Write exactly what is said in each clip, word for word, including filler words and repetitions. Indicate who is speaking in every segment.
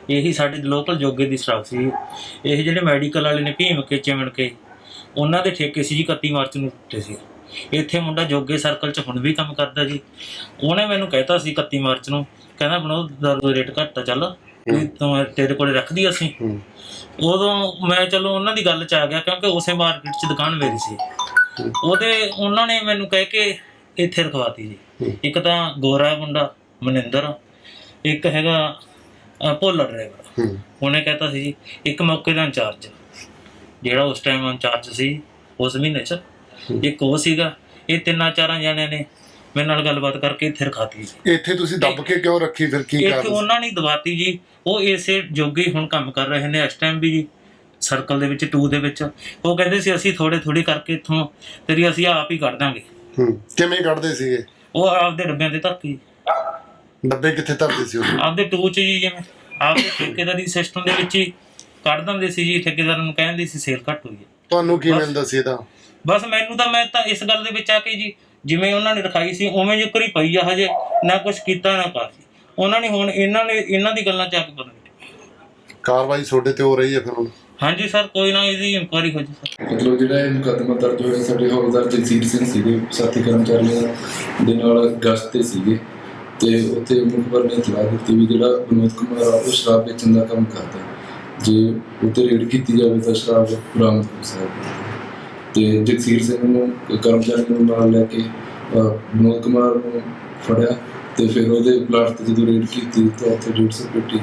Speaker 1: ਇਹੀ ਸਾਡੇ ਲੋਕਲ ਜੋਗੇ ਦੀ ਸ਼ਰਾਬ ਸੀ। ਇਹ ਜਿਹੜੇ ਮੈਡੀਕਲ ਵਾਲੇ ਨੇ ਭੀਮ ਕੇ ਚਿਮਣ ਕੇ ਉਹਨਾਂ ਦੇ ਠੇਕੇ ਸੀ ਜੀ ਇਕੱਤੀ ਮਾਰਚ ਨੂੰ ਟੁੱਟੇ ਸੀ। ਇੱਥੇ ਮੁੰਡਾ ਜੋਗੇ ਸਰਕਲ 'ਚ ਹੁਣ ਵੀ ਕੰਮ ਕਰਦਾ ਜੀ। ਉਹਨੇ ਮੈਨੂੰ ਕਹਿਤਾ ਸੀ ਇਕੱਤੀ ਮਾਰਚ ਨੂੰ, ਕਹਿੰਦਾ ਬਣੋ ਦਾਰੂ ਰੇਟ ਘੱਟ ਆ, ਚੱਲ ਵੀ ਤੂੰ ਤੇਰੇ ਕੋਲ ਰੱਖਦੀ ਅਸੀਂ। ਉਦੋਂ ਮੈਂ ਚਲੋ ਉਹਨਾਂ ਦੀ ਗੱਲ 'ਚ ਆ ਗਿਆ ਕਿਉਂਕਿ ਉਸੇ ਮਾਰਕੀਟ 'ਚ ਦੁਕਾਨ ਮੇਰੀ ਸੀ। ਉਹਦੇ ਉਹਨਾਂ ਨੇ ਮੈਨੂੰ ਕਹਿ ਕੇ ਇੱਥੇ ਰਖਵਾਤੀ ਜੀ। ਇੱਕ ਤਾਂ ਗੋਰਾ ਮੁੰਡਾ ਮਨਿੰਦਰ, ਇੱਕ ਹੈਗਾ ਭੋਲਾ ਡਰਾਈਵਰ। ਉਹਨੇ ਕਹਿਤਾ ਸੀ ਜੀ ਇੱਕ ਮੌਕੇ ਦਾ ਇੰਚਾਰਜ ਜਿਹੜਾ ਉਸ ਟਾਈਮ ਇੰਚਾਰਜ ਸੀ ਉਸ ਮਹੀਨੇ 'ਚ, ਇੱਕ ਉਹ ਸੀਗਾ। ਇਹ ਤਿੰਨਾਂ ਚਾਰਾਂ ਜਣਿਆਂ ਨੇ ਮੇਰੇ ਨਾਲ ਗੱਲਬਾਤ ਕਰਕੇ ਇੱਥੇ ਰਖਾਤੀ ਜੀ।
Speaker 2: ਇੱਥੇ ਤੁਸੀਂ ਦੱਬ ਕੇ ਕਿਉਂ ਰੱਖੀ ਫਿਰ? ਕੀ
Speaker 1: ਇੱਥੇ ਉਹਨਾਂ ਨੇ ਦਵਾਤੀ ਜੀ। ਉਹ ਇਸੇ ਜੋਗੇ ਹੁਣ ਕੰਮ ਕਰ ਰਹੇ ਨੇ ਇਸ ਟਾਈਮ ਵੀ ਜੀ ਸਰਕਲ ਦੇ ਵਿੱਚ ਟੂ ਦੇ ਵਿੱਚ। ਉਹ ਕਹਿੰਦੇ ਸੀ ਅਸੀਂ ਥੋੜੇ ਥੋੜੀ ਕਰਕੇ ਇੱਥੋਂ ਤੇਰੀ ਅਸੀਂ ਆਪ ਹੀ ਕੱਢ ਦਾਂਗੇ।
Speaker 2: ਕਿਵੇਂ ਕੱਢਦੇ ਸੀਗੇ?
Speaker 1: ਉਹ ਆਪਦੇ ਡੱਬਿਆਂ ਤੇ ਧਰ ਕੇ।
Speaker 2: ਡੱਬੇ ਕਿੱਥੇ ਧਰਦੇ ਸੀ ਉਹ?
Speaker 1: ਆਪਦੇ ਟੂ 'ਚ ਜੀ, ਜਿਵੇਂ ਆਪਦੇ ਠੇਕੇਦਾਰੀ ਸਿਸਟਮ ਦੇ ਵਿੱਚ ਹੀ ਕੱਢ ਦਿੰਦੇ ਸੀ ਜੀ। ਠੇਕੇਦਾਰ ਨੂੰ ਕਹਿੰਦੇ ਸੀ ਸੇਲ ਘੱਟ ਹੋਈ ਹੈ।
Speaker 2: ਤੁਹਾਨੂੰ ਕੀ ਮਿਲਦਾ ਸੀ ਇਹਦਾ?
Speaker 1: ਬਸ ਮੈਨੂੰ ਤਾਂ ਮੈਂ ਤਾਂ ਇਸ ਗੱਲ ਦੇ ਵਿੱਚ ਆ ਕੇ ਜੀ ਜਿਵੇਂ ਉਹਨਾਂ ਨੇ ਰਖਾਈ ਸੀ ਉਵੇਂ ਜਿਕਰ ਹੀ ਪਈ ਆ, ਹਜੇ ਨਾ ਕੁਛ ਕੀਤਾ ਨਾ ਕਾਸੀ ਉਹਨਾਂ ਨੇ। ਹੁਣ ਇਹਨਾਂ ਨੇ ਇਹਨਾਂ ਦੀ ਗੱਲਾਂ 'ਚ ਆ ਕੇ ਪਤਾ ਨਹੀਂ
Speaker 2: ਕਾਰਵਾਈ ਤੁਹਾਡੇ ਤੇ ਹੋ ਰਹੀ ਹੈ ਫਿਰ ਹੁਣ?
Speaker 1: ਹਾਂਜੀ ਸਰ, ਕੋਈ ਨਾ ਇਹਦੀ ਇਨਕੁਆਇਰੀ ਹੋ ਜੀ ਸਰ।
Speaker 3: ਮਤਲਬ ਜਿਹੜਾ ਇਹ ਮੁਕੱਦਮਾ ਦਰਜ ਹੋਇਆ ਸਾਡੇ ਹੌਲਦਾਰ ਜਗਸੀਰ ਸਿੰਘ ਸੀਗੇ, ਸਾਥੀ ਕਰਮਚਾਰੀਆਂ ਦੇ ਨਾਲ ਗਸ਼ਤ ਤੇ ਸੀਗੇ ਤੇ ਉੱਥੇ ਮੁਖਬਰ ਨੇ ਇਤਲਾਹ ਦਿੱਤੀ ਵੀ ਜਿਹੜਾ ਵਿਨੋਦ ਕੁਮਾਰ ਆ ਉਹ ਸ਼ਰਾਬ ਵੇਚਣ ਦਾ ਕੰਮ ਕਰਦਾ। ਜੇ ਉੱਤੇ ਰੇਡ ਕੀਤੀ ਜਾਵੇ ਤਾਂ ਸ਼ਰਾਬ ਬਰਾਮਦ ਹੋ ਸਕਦੀ ਹੈ। ਤੇ ਜਗਸੀਰ ਸਿੰਘ ਨੂੰ ਕਰਮਚਾਰੀ ਨੂੰ ਨਾਲ ਲੈ ਕੇ ਵਿਨੋਦ ਕੁਮਾਰ ਨੂੰ ਫੜਿਆ ਤੇ ਫਿਰ ਉਹਦੇ ਪਲਾਟ ਤੇ ਜਦੋਂ ਰੇਡ ਕੀਤੀ ਤਾਂ ਉੱਥੇ ਡੇਢ ਸੌ ਪੇਟੀ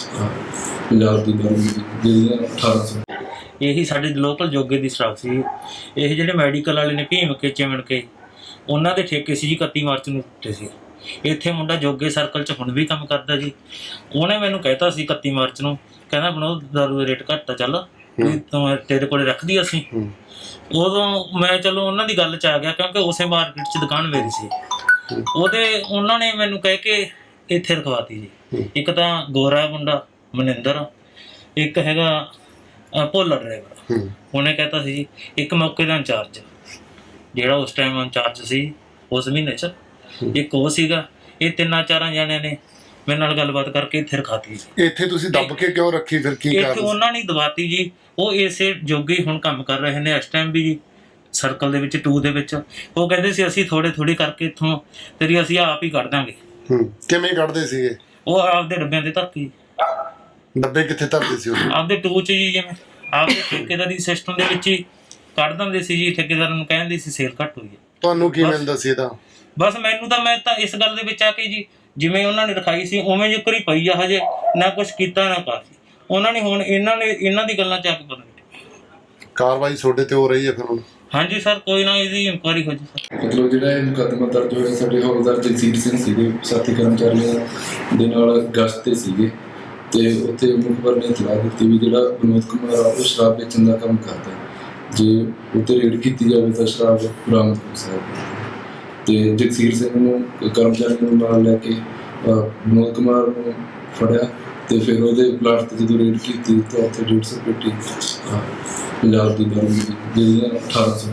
Speaker 3: ਪੰਜਾਬ ਦੀ ਦਾਰੂ ਮਿਲੀ, ਜਿਹੜੀਆਂ ਅਠਾਰਾਂ ਸੌ।
Speaker 1: ਇਹੀ ਸਾਡੇ ਲੋਕਲ ਜੋਗੇ ਦੀ ਸ਼ਰਾਬ ਸੀ। ਇਹ ਜਿਹੜੇ ਮੈਡੀਕਲ ਵਾਲੇ ਨੇ ਭੀਮ ਕੇ ਚਿਮਣ ਕੇ ਉਹਨਾਂ ਦੇ ਠੇਕੇ ਸੀ ਜੀ ਇਕੱਤੀ ਮਾਰਚ ਨੂੰ ਟੁੱਟੇ ਸੀ। ਇੱਥੇ ਮੁੰਡਾ ਜੋਗੇ ਸਰਕਲ 'ਚ ਹੁਣ ਵੀ ਕੰਮ ਕਰਦਾ ਜੀ। ਉਹਨੇ ਮੈਨੂੰ ਕਹਿਤਾ ਸੀ ਇਕੱਤੀ ਮਾਰਚ ਨੂੰ, ਕਹਿੰਦਾ ਬਣੋ ਦਾਰੂ ਦਾ ਰੇਟ ਘੱਟ ਆ, ਚੱਲ ਵੀ ਤੂੰ ਤੇਰੇ ਕੋਲ ਰੱਖਦੀ ਅਸੀਂ। ਉਦੋਂ ਮੈਂ ਚਲੋ ਉਹਨਾਂ ਦੀ ਗੱਲ 'ਚ ਆ ਗਿਆ ਕਿਉਂਕਿ ਉਸੇ ਮਾਰਕੀਟ 'ਚ ਦੁਕਾਨ ਮੇਰੀ ਸੀ। ਉਹਦੇ ਉਹਨਾਂ ਨੇ ਮੈਨੂੰ ਕਹਿ ਕੇ ਇੱਥੇ ਰਖਵਾਤੀ ਜੀ। ਇੱਕ ਤਾਂ ਗੋਰਾ ਮੁੰਡਾ ਮਨਿੰਦਰ, ਇੱਕ ਹੈਗਾ ਭੋਲਾ ਡਰਾਈਵਰ। ਉਹਨੇ ਕਹਿਤਾ ਸੀ ਜੀ ਇੱਕ ਮੌਕੇ ਦਾ ਇੰਚਾਰਜ ਜਿਹੜਾ ਉਸ ਟਾਈਮ ਇੰਚਾਰਜ ਸੀ ਉਸ ਮਹੀਨੇ 'ਚ, ਇੱਕ ਉਹ ਸੀਗਾ। ਇਹ ਤਿੰਨਾਂ ਚਾਰਾਂ ਜਣਿਆਂ ਨੇ ਮੇਰੇ ਨਾਲ ਗੱਲਬਾਤ ਕਰਕੇ ਇੱਥੇ ਰਖਾਤੀ ਜੀ।
Speaker 2: ਇੱਥੇ ਤੁਸੀਂ ਦੱਬ ਕੇ ਕਿਉਂ ਰੱਖੀ ਫਿਰ? ਕੀ
Speaker 1: ਇੱਥੇ ਉਹਨਾਂ ਨੇ ਦਵਾਤੀ ਜੀ। ਉਹ ਇਸੇ ਜੋਗੇ ਹੁਣ ਕੰਮ ਕਰ ਰਹੇ ਨੇ ਇਸ ਟਾਈਮ ਵੀ ਜੀ ਸਰਕਲ ਦੇ ਵਿੱਚ ਟੂ ਦੇ ਵਿੱਚ। ਉਹ ਕਹਿੰਦੇ ਸੀ ਅਸੀਂ ਥੋੜੇ ਥੋੜੀ ਕਰਕੇ ਇੱਥੋਂ ਤੇਰੀ ਅਸੀਂ ਆਪ ਹੀ ਕੱਢ ਦਾਂਗੇ।
Speaker 2: ਕਿਵੇਂ ਕੱਢਦੇ ਸੀਗੇ?
Speaker 1: ਉਹ ਆਪਦੇ ਡੱਬਿਆਂ ਤੇ ਧਰ ਕੇ।
Speaker 2: ਡੱਬੇ ਕਿੱਥੇ ਧਰਦੇ ਸੀ ਉਹ?
Speaker 1: ਆਪਦੇ ਟੂ 'ਚ ਜੀ, ਜਿਵੇਂ ਆਪਦੇ ਠੇਕੇਦਾਰੀ ਸਿਸਟਮ ਦੇ ਵਿੱਚ ਹੀ ਕੱਢ ਦਿੰਦੇ ਸੀ ਜੀ। ਠੇਕੇਦਾਰ ਨੂੰ ਕਹਿੰਦੇ ਸੀ ਸੇਲ ਘੱਟ ਹੋਈ ਹੈ।
Speaker 2: ਤੁਹਾਨੂੰ ਕੀ ਮਿਲਦਾ ਸੀ ਇਹਦਾ?
Speaker 1: ਬਸ ਮੈਨੂੰ ਤਾਂ ਮੈਂ ਤਾਂ ਇਸ ਗੱਲ ਦੇ ਵਿੱਚ ਆ ਕੇ ਜੀ ਜਿਵੇਂ ਉਹਨਾਂ ਨੇ ਰਖਾਈ ਸੀ ਉਵੇਂ ਜਿਕਰ ਹੀ ਪਈ ਆ, ਹਜੇ ਨਾ ਕੁਛ ਕੀਤਾ ਨਾ ਕਾਸੀ ਉਹਨਾਂ ਨੇ। ਹੁਣ ਇਹਨਾਂ ਨੇ ਇਹਨਾਂ ਦੀ ਗੱਲਾਂ 'ਚ ਆ ਕੇ ਪਤਾ ਨਹੀਂ
Speaker 2: ਕਾਰਵਾਈ ਤੁਹਾਡੇ ਤੇ ਹੋ ਰਹੀ ਹੈ ਫਿਰ ਹੁਣ?
Speaker 1: ਹਾਂਜੀ ਸਰ, ਕੋਈ ਨਾ ਇਹਦੀ ਇਨਕੁਆਇਰੀ ਹੋ ਜੀ ਸਰ।
Speaker 3: ਮਤਲਬ ਜਿਹੜਾ ਇਹ ਮੁਕੱਦਮਾ ਦਰਜ ਹੋਇਆ ਸਾਡੇ ਹੌਲਦਾਰ ਜਗਸੀਰ ਸਿੰਘ ਸੀਗੇ, ਸਾਥੀ ਕਰਮਚਾਰੀਆਂ ਦੇ ਨਾਲ ਗਸ਼ਤ ਤੇ ਸੀਗੇ ਤੇ ਉੱਥੇ ਮੁਖਬਰ ਨੇ ਇਤਲਾਹ ਦਿੱਤੀ ਵੀ ਜਿਹੜਾ ਵਿਨੋਦ ਕੁਮਾਰ ਆ ਉਹ ਸ਼ਰਾਬ ਵੇਚਣ ਦਾ ਕੰਮ ਕਰਦਾ। ਜੇ ਉੱਤੇ ਰੇਡ ਕੀਤੀ ਜਾਵੇ ਤਾਂ ਸ਼ਰਾਬ ਬਰਾਮਦ ਹੋ ਸਕਦੀ ਹੈ। ਤੇ ਜਗਸੀਰ ਸਿੰਘ ਨੂੰ ਕਰਮਚਾਰੀ ਨੂੰ ਨਾਲ ਲੈ ਕੇ ਵਿਨੋਦ ਕੁਮਾਰ ਨੂੰ ਫੜਿਆ ਤੇ ਫਿਰ ਉਹਦੇ ਪਲਾਟ ਤੇ ਜਦੋਂ ਰੇਡ ਕੀਤੀ ਤਾਂ ਉੱਥੇ ਡੇਢ ਸੌ ਪੇਟੀ ਪੰਜਾਬ ਦੀ ਦਾਰੂ ਮਿਲੀ, ਜਿਹੜੀਆਂ ਅਠਾਰਾਂ ਸੌ।